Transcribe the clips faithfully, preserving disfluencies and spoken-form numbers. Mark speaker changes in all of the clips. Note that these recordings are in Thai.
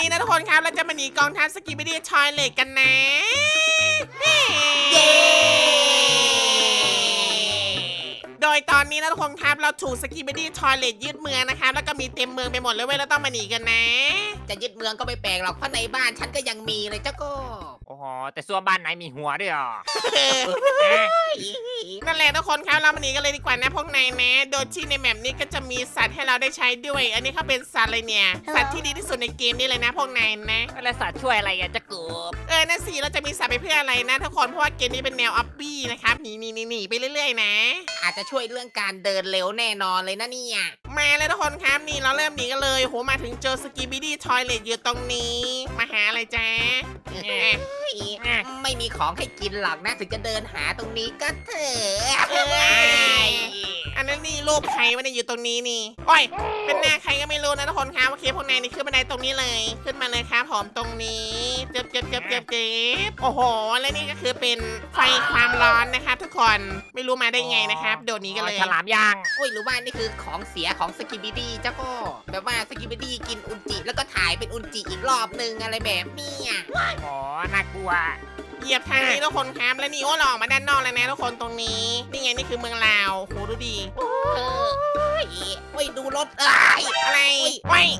Speaker 1: นี้นะทุกคนครับเราจะมาหนีกองทัพสกิบิดี้ทอยเลทกันนะเย้โดยตอนนี้นะทุกคนครับเราถูกสกิบิดี้ทอยเลทยึดเมืองนะครับแล้วก็มีเต็มเมืองไปหมดเลยเว้ยเราต้องมาหนีกันนะ
Speaker 2: จะยึดเมืองก็ไม่แปลกหรอกเพราะในบ้านฉันก็ยังมีเลยเจ้าก็
Speaker 3: โอ้โหแต่ซัวบ้านไหนมีหัวด้วยอ่ะ
Speaker 1: นั่นแหละทุกคนครับเรามาหนีกันเลยดีกว่านะพวกนายนะโดยที่ในแมปนี้ก็จะมีสัตว์ให้เราได้ใช้ด้วย อันนี้เขาเป็นสัตว์อะไรเนี่ยสัตว์ที่ดีที่สุดในเกมนี้เลยนะพวกนายนะ
Speaker 3: แล้วสัตว์ช่วยอะไรกันจะกบ
Speaker 1: เออนั่นสิเราจะมีสัตว์ไปเพื่ออะไรนะทุกคนเพราะว่าเกมนี้เป็นแนวอัพบี้นะครับหนีหนีหนีหนีไปเรื่อยๆนะ
Speaker 2: อาจจะช่วยเรื่องการเดินเร็วแน่นอนเลยนะเนี่ย
Speaker 1: มาเลยทุกคนครับนี่เราเริ่มหนีกันเลยโหมาถึงเจอสกิบิดี้ทอยเลทอยู่ตรงนี้มาหาอะไรจ๊ะ
Speaker 2: ไม่มีของให้กินหรอกนะถึงจะเดินหาตรงนี้ก็เถอะ
Speaker 1: อันนั้นนี่รูปใครวะเนี่ยอยู่ตรงนี้นี่โอ้ยเป็นหน้าใครก็ไม่รู้นะทุกคนครับโอเคพวกนายนี่ขึ้นบันไดตรงนี้เลยขึ้นมาเลยครับผมตรงนี้เจ็บเจ็บเจ็บเจ็บเจ็บโอ้โหและนี่ก็คือเป็นไฟความร้อนนะครับทุกคนไม่รู้มาได้ไงนะครับโดดนี้กันเลย
Speaker 3: ฉลามย่าง
Speaker 2: โอ้ยหรือว่านี่คือของเสียของสกิบิดี้เจ้าก็แบบว่าสกิบิดี้กินอุนจิแล้วก็ถ่ายเป็นอุนจิอีกรอบนึงอะไรแบบนี้
Speaker 3: อ๋อน่ากลัว
Speaker 1: เหยียบทางนี้ทุกคนครับและนี่โอ้หล่อมาด้านนอกแล้วนะทุกคนตรงนี้นี่ไงนี่คือเมืองลาวโหดูดี
Speaker 2: เออโอ้ยดูรถเอ้ย
Speaker 1: อะไรโอ้ย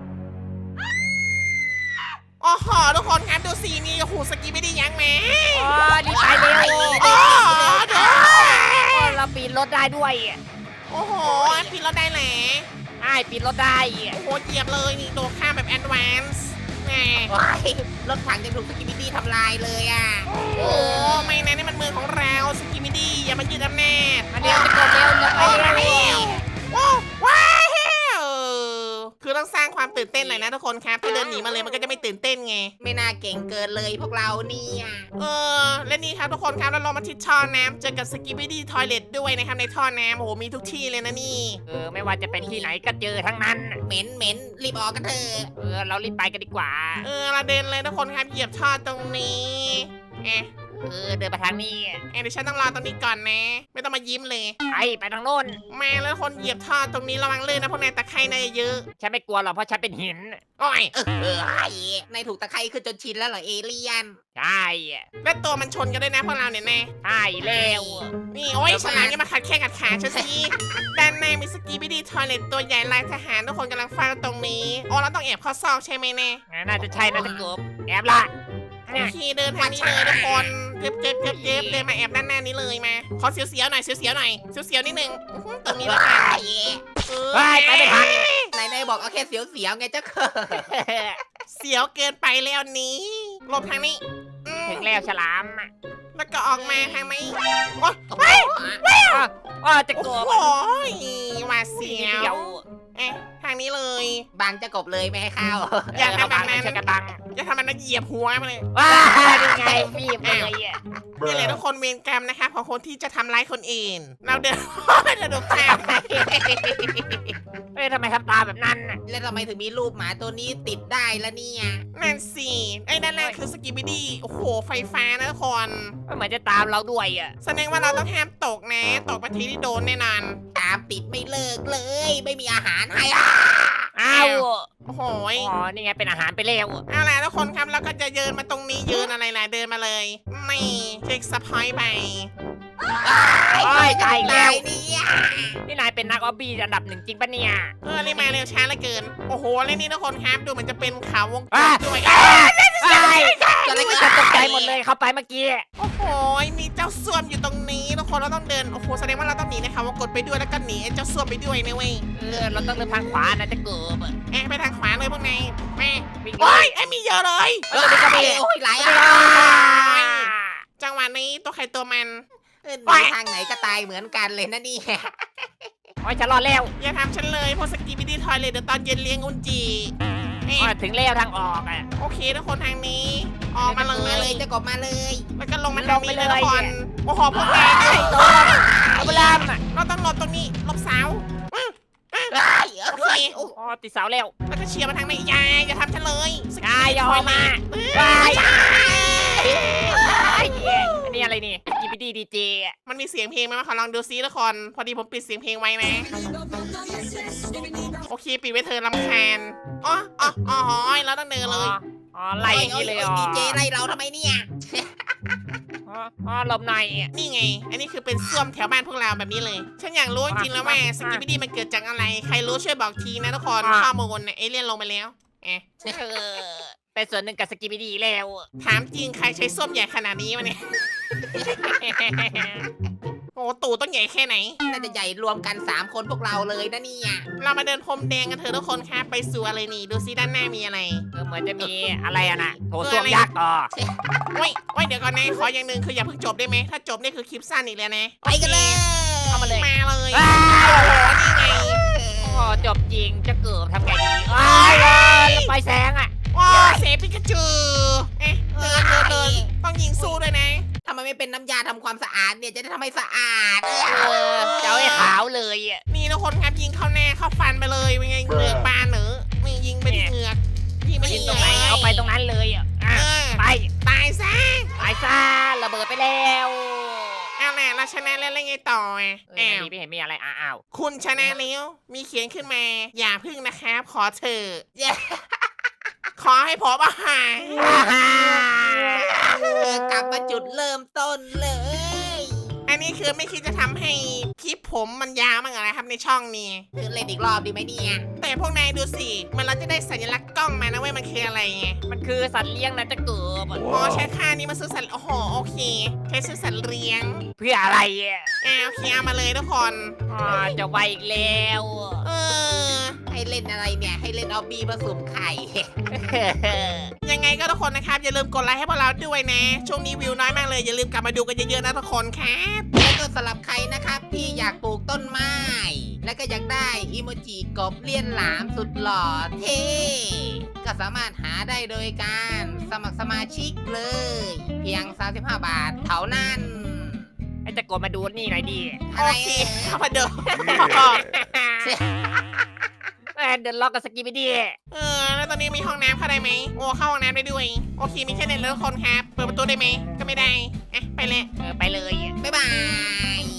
Speaker 1: โอ้โหทุกคนครับดูสีนี่โอ้โหสกีไม่ได้ยั้งแม่
Speaker 3: อ๋อนี่ไปเร็ว
Speaker 1: โอ้
Speaker 3: เราปีนรถได้ด้วย
Speaker 1: โอ้โหปีนรถได้แหละ
Speaker 3: ไอ้ปีนรถได้
Speaker 1: โอ้โหเหยียบเลยนี่โดดข้ามแบบแอดวานซ์แหม
Speaker 2: รถถังจะถูกสกิบิดี้ทำลายเลยอ่ะ
Speaker 1: โอ้ไม่นะนี่มันเมืองของเราสกิบิดี้อย่ามายึดอำนาจ
Speaker 3: มาเร็วจะกดเร็วจะไปเร็ว
Speaker 1: ว้าวว้าวคือต้องสร้างความตื่นเต้นหน่อยนะทุกคนครับถ้าเดินหนีมาเลยมันก็จะไม่ตื่นเต้นไง
Speaker 2: ไม่น่าเก่งเกินเลยพวกเราเนี่ย
Speaker 1: เออและนี่ครับทุกคนครับเราลงมาที่ท่อน้ำเจอกับสกิบิดี้ทอยเลทด้วยนะครับในท่อน้ำโอ้โหมีทุกที่เลยนะนี่
Speaker 3: เออไม่ว่าจะเป็นที่ไหนก็เจอทั้งนั้น
Speaker 2: เหม็นเหม็นรีบออกกันเถอะ
Speaker 3: เออเรารีบไปกันดีกว่า
Speaker 1: เออเราเดินเลยทุกคนครับเหยียบท่อตรงนี้เอ๊ะ
Speaker 3: เออเดินไปทางนี้
Speaker 1: เดี๋ยวฉันต้องรอตรงนี้ก่อนนะไม่ต้องมายิ้มเลย
Speaker 3: ไปไปทางโน้น
Speaker 1: มาแล้วคนเหยียบท่อตรงนี้ระวังลื่นนะพวกนายตะไคร่นายเยอะ
Speaker 3: ฉันไม่กลัวหรอกเพราะฉันเป็นหิน
Speaker 1: โอ้ย
Speaker 2: เออนายถูกตะไคร่ขึ้นจนชินแล้วเหรอเอเลี่ยน
Speaker 3: ใช่
Speaker 1: และตัวมันชนกันด้วยนะพวกเราเนี่ยแน่
Speaker 3: ใช่แล้ว
Speaker 1: นี่โอ้ยฉลามยังมาขัดแข้งขัดขาฉันสิด้านในมีสกีบิดี้ทอยเลทตัวใหญ่ลายทหารทุกคนกำลังเฝ้าตรงนี้โอ้เราต้องแอบเข้าซอกใช่ไหมแน่
Speaker 3: น่าจะใช่น่าจะกบแอบละ
Speaker 1: โอเคเดินทางนี้เลยทุกคนเจ็บเจ็บเจ็บเจ็บเดินมาแอบด้านหน้านี้เลยมาขอเสียวๆหน่อยเสียวๆหน่อยเสียวๆนิดนึงตรงนี้แล้วกัน
Speaker 3: เออไปไม่ทัน
Speaker 2: นายนายบอกเอาแค่เสียวๆไงเจ้าค่ะ
Speaker 1: เสียวเกินไปแล้วนี้หลบทางนี้
Speaker 3: ถึงแล้วฉลาม
Speaker 1: แล้วก็ออกมาทางนี้
Speaker 2: โอ้
Speaker 1: ย
Speaker 3: ว้าจะกบ
Speaker 1: โอ้ยว่าเสียวเอ๊ะทางนี้เลย
Speaker 2: บังจะกบเลยไม่ให้เข้า
Speaker 1: อย่าทำแบบนั้น
Speaker 3: กระบัง
Speaker 1: อย่าทำมันนะเหยียบหัวมาเลย
Speaker 3: ว้าดูไงฟีบเลยอ่ะ
Speaker 1: นี่แหละทุกคนเวรกรรมนะคะของคนที่จะทำร้ายคนอื่นเราเดินเราดูข้าม
Speaker 3: เฮ้ยทำไมทำตาแบบนั้นน่ะ
Speaker 2: แล้วทำไมถึงมีรูปหมาตัวนี้ติดได้ละเนี่ย
Speaker 1: นั่นสิไอ้นั่นแหละคือสกิบิดี้โอ้โหไฟฟ้านะทุกคน
Speaker 3: เหมือนจะตามเราด้วยอ่ะ
Speaker 1: แสดงว่าเราต้องห้ามตกนะตกไปทีที่โดนแน่นอน
Speaker 2: ตามติดไม่เลิกเลยไม่มีอาหารให้
Speaker 3: อ้าว
Speaker 1: โอ้โห
Speaker 3: อ๋อนี่ไงเป็นอาหารไปแล้ว
Speaker 1: เอาล่ะทุกคนครับแล้วก็จะเดินมาตรงนี้ยืนอะไรล่ะเดินมาเลยไม่เช็คสปอยไป
Speaker 3: โอ้ยตายแล้วนี่นายเป็นนักออบบี้อันดับหนึ่งจริงปะเนี่ย
Speaker 1: เออนี่มาเร็วช้าเหลือเกินโอ้โหแล้วนี่ทุกคนครับดูเหมือนจะเป็นขาววงกลมด้วย
Speaker 3: อะไรก็จะตกใจหมดเลยเข้าไปเมื่อกี้
Speaker 1: โอ้โหมีเจ้าส้วมอยู่ตรงนี้ทุกคนเราต้องเดินโอ้โหแสดงว่าเราต้องหนีนะคะว่ากดไปด้วยแล้วก็หนีเจ้าส้วมไปด้วยนะเว้ย
Speaker 3: เออเราต้องเดินทางขวานะจะเกิบ
Speaker 1: แอบไปทางขวาเลยพวกนายแม่โอ้ยไอ้มีเยอะเลย
Speaker 2: เออก็มีโอ้ยหลายอ่ะ
Speaker 1: จังหวะนี้ตัวใครตัวมัน
Speaker 2: เออทางไหนก็ตายเหมือนกันเลยนะนี่
Speaker 3: โอ้ยฉันรอแล้ว
Speaker 1: อย่าทำฉันเลยพวกสกีบิดี้ทอยเลยเดี๋ยวตอนเย็นเลี้ยงอุนจี
Speaker 3: ถึงแล้วทางออกอ่ะ
Speaker 1: โอเคทุกคนทางนี้ออกมาเลย
Speaker 2: จะกบมาเลย
Speaker 1: แล้วก็ลงมาลงไปเลยทุกคนโอ้โหพวกแก
Speaker 3: เอาไปลาม
Speaker 1: เราต้องหลบตรงนี้หลบเสาโอเค
Speaker 3: อ๋อติดเสาแล้ว
Speaker 1: แล้วก็เชียร์มาทางไหนยายอย่าทำฉันเลย
Speaker 3: ยายยอมมา
Speaker 1: ยาย
Speaker 3: ยอันนี้อะไรนี่สกิบิดี้ดีเจ
Speaker 1: มันมีเสียงเพลงไหมมาขอลองดูซิทุกคนพอดีผมปิดเสียงเพลงไว้นะโอเคปิดไว้เธอรำคาญอ๋ออ๋ออ๋อแล้วต้องเดินเลย
Speaker 3: อ๋อไล่อย่างนี้เลยอ๋อ
Speaker 2: ดีเจไล่เราทำไมเนี่ย
Speaker 3: อ๋ออ๋อหลบหน่อย
Speaker 1: นี่ไง อันนี้คือเป็นส้วมแถวบ้านพวกเราแบบนี้เลย ฉันอยากรู้จริงๆแล้วว่าสกิปปี้มันเกิดจากอะไร ใครรู้ช่วยบอกทีนะทุกคนข้อมูลเนี่ยเอเลี่ยนลงไปแล้วเอ๊ะ
Speaker 3: เออเป็นส่วนหนึ่งกับสกิบิดี้แล้ว
Speaker 1: ถามจริงใครใช้ส้วมใหญ่ขนาดนี้วะเนี่ยโอ้ตู่ต้องใหญ่แค่ไหน
Speaker 2: น่าจะใหญ่รวมกันสามคนพวกเราเลยนะเนี่ย
Speaker 1: เรามาเดินพรมแดงกันเถอะทุกคนครับไปสู่อะไรนี่ดูซิด้านหน้ามีอะไร
Speaker 3: เออเหมือนจะมีอะไรอะนะโถส้วมยักษ์อ๋อ
Speaker 1: โอ้ยโอ้ยเดี๋ยวก่อนนะขออย่างหนึ่งคืออย่าเพิ่งจบได้ไหมถ้าจบนี่คือคลิปสั้นอีกแล้วนะ
Speaker 2: ไปกันเลย
Speaker 3: เข้ามาเลย
Speaker 1: มาเลย
Speaker 3: ว้า
Speaker 1: โอ้
Speaker 3: ว
Speaker 1: โหนี่ไง
Speaker 3: โอ้จบจริงจะเกิดทำไงดีอ้ายไฟแสงอ่ะ
Speaker 1: ว้าเซปิกาจูเอ๊ะเดินเดินเดินต้องยิงสู้ด้วยนะ
Speaker 2: ทำไมไม่เป็นน้ำยาทำความสะอาดเนี่ยจะได้ทำให้สะอาด
Speaker 3: เออจะเอาให้ขาวเลยอ่ะ
Speaker 1: นี่ทุกคนครับยิงเข้าหน้าเข้าฟันไปเลยเป็นไงเหงือกบานเหรอนี่ยิงไปที่เหงือกยิงไป
Speaker 3: ยิ
Speaker 1: ที่
Speaker 3: ง
Speaker 1: เห
Speaker 3: ต
Speaker 1: งื
Speaker 3: ร
Speaker 1: อง ก
Speaker 3: ไหนเอาไปตรงนั้นเลยอ่ะ
Speaker 1: เอ
Speaker 3: อ่ะ
Speaker 1: อ
Speaker 3: ไป
Speaker 1: ตายซะ
Speaker 3: ไปซะระเบิดไปแล้ว
Speaker 1: เอาแหละเราชนะแล้วแล้วไงต่ออ่ะ
Speaker 3: เออ
Speaker 1: อ้า
Speaker 3: อัน
Speaker 1: ว
Speaker 3: นี้ไม่เห็นมีอะไรอ้าว
Speaker 1: คุณชนะแล้วมีเขียนขึ้นมา อย่าพึ่งนะครับ ขอเถอะขอให้ผมอาหาร
Speaker 2: เออกลับมาจุดเริ่มต้นเลย
Speaker 1: อันนี้คือไม่คิดจะทำให้คลิปผมมันยาวมั้งเหรอนะครับในช่องนี้
Speaker 2: คือเล่นอีกรอบดีไหมเนี่ย
Speaker 1: แต่พวกนายดูสิมันเราจะได้สัญลักษณ์กล้องมานะเว้ยมันคืออะไรไง
Speaker 3: มันคือสัตว์เลี้ยงนะจะเกิด
Speaker 1: อ๋อใช้ค่านี้มาซื้อสัตว์โอ้โหโอเคใช้ซื้อสัตว์เลี้ยง
Speaker 3: เพื่ออะไรอ่ะ
Speaker 1: อ่าโอเคเอามาเลยทุกคน
Speaker 3: อ๋อจะไวอีกแล้ว
Speaker 1: เออ
Speaker 2: ให้เล่นอะไรเนี่ย ให้เล่นออบบี้ผสมไข่
Speaker 1: ยังไงก็ทุกคนนะครับ อย่าลืมกดไลค์ให้พวกเราด้วยนะ ช่วงนี้วิวน้อยมากเลย อย่าลืมกลับมาดูกันเยอะๆนะทุกคนครับ
Speaker 2: แล้วก็สำหรับใครนะครับที่อยากปลูกต้นไม้ แล้วก็อยากได้อีโมจิกบเลี่ยนหลามสุดหล่อเท่ก็สามารถหาได้โดยการสมัครสมาชิกเลย เพียง สามสิบห้า บาทเท่านั้น
Speaker 3: ไอ้จะกดมาดูนี่หน่อยดิ
Speaker 2: อะไร
Speaker 1: โอเคเข้ามาดู
Speaker 3: เอ้ยเดินล็อกกับสกีไปดิ
Speaker 1: เออ แล้วตอนนี้มีห้องน้ำเข้าได้ไหมโอ้เข้าห้องน้ำได้ด้วย โอเค มีแค่เน็ตแล้วทุกคนครับ เปิดประตูได้ไหมก็ไม่ได้อ่ะไปเลย
Speaker 3: เออไปเลย
Speaker 2: บ๊ายบาย